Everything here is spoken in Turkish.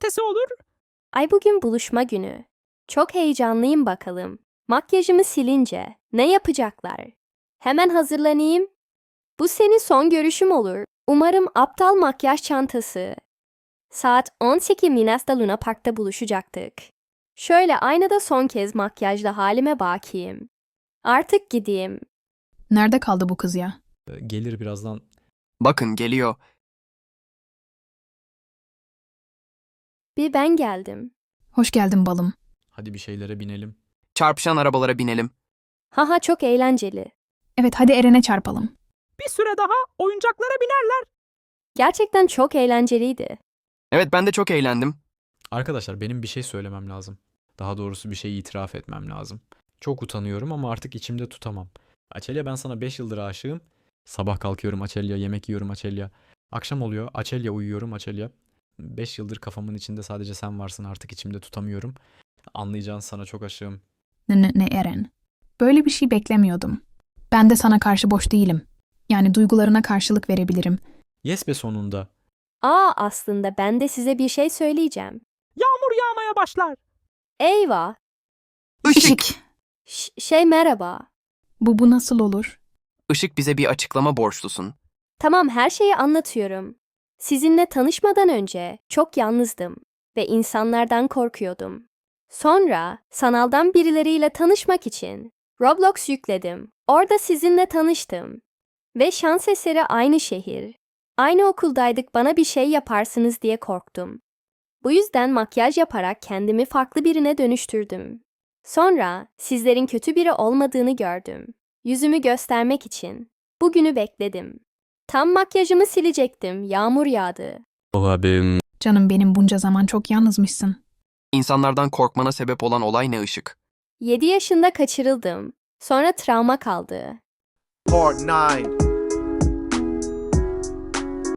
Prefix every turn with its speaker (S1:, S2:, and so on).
S1: cumartesi olur?
S2: Ay bugün buluşma günü. Çok heyecanlıyım bakalım. Makyajımı silince ne yapacaklar? Hemen hazırlanayım. Bu senin son görüşüm olur. Umarım aptal makyaj çantası. Saat 18 Minas'ta Luna Park'ta buluşacaktık. Şöyle aynada son kez makyajla halime bakayım. Artık gideyim.
S3: Nerede kaldı bu kız ya?
S4: Gelir birazdan.
S5: Bakın geliyor.
S2: Bir ben geldim.
S3: Hoş geldin balım.
S4: Hadi bir şeylere binelim.
S5: Çarpışan arabalara binelim.
S2: Haha çok eğlenceli.
S3: Evet hadi Eren'e çarpalım.
S1: Bir süre daha oyuncaklara binerler.
S2: Gerçekten çok eğlenceliydi.
S5: Evet ben de çok eğlendim.
S4: Arkadaşlar benim bir şey söylemem lazım. Daha doğrusu bir şey itiraf etmem lazım. Çok utanıyorum ama artık içimde tutamam. Açelya, ben sana 5 yıldır aşığım. Sabah kalkıyorum Açelya, yemek yiyorum Açelya. Akşam oluyor Açelya, uyuyorum Açelya. 5 yıldır kafamın içinde sadece sen varsın, artık içimde tutamıyorum. Anlayacağın, sana çok aşığım.
S3: Ne Eren? Böyle bir şey beklemiyordum. Ben de sana karşı boş değilim. Yani duygularına karşılık verebilirim.
S4: Yes be sonunda.
S2: Aslında ben de size bir şey söyleyeceğim.
S1: Yağmur yağmaya başlar.
S2: Eyvah.
S5: Işık.
S2: Merhaba.
S3: Bu nasıl olur?
S5: Işık, bize bir açıklama borçlusun.
S2: Tamam, her şeyi anlatıyorum. Sizinle tanışmadan önce çok yalnızdım ve insanlardan korkuyordum. Sonra sanaldan birileriyle tanışmak için Roblox yükledim. Orada sizinle tanıştım. Ve şans eseri aynı şehir. Aynı okuldaydık, bana bir şey yaparsınız diye korktum. Bu yüzden makyaj yaparak kendimi farklı birine dönüştürdüm. Sonra sizlerin kötü biri olmadığını gördüm. Yüzümü göstermek için bugünü bekledim. Tam makyajımı silecektim, yağmur yağdı.
S3: Canım benim, bunca zaman çok yalnızmışsın.
S5: İnsanlardan korkmana sebep olan olay ne Işık?
S2: 7 yaşında kaçırıldım. Sonra travma kaldı.
S6: Part 9.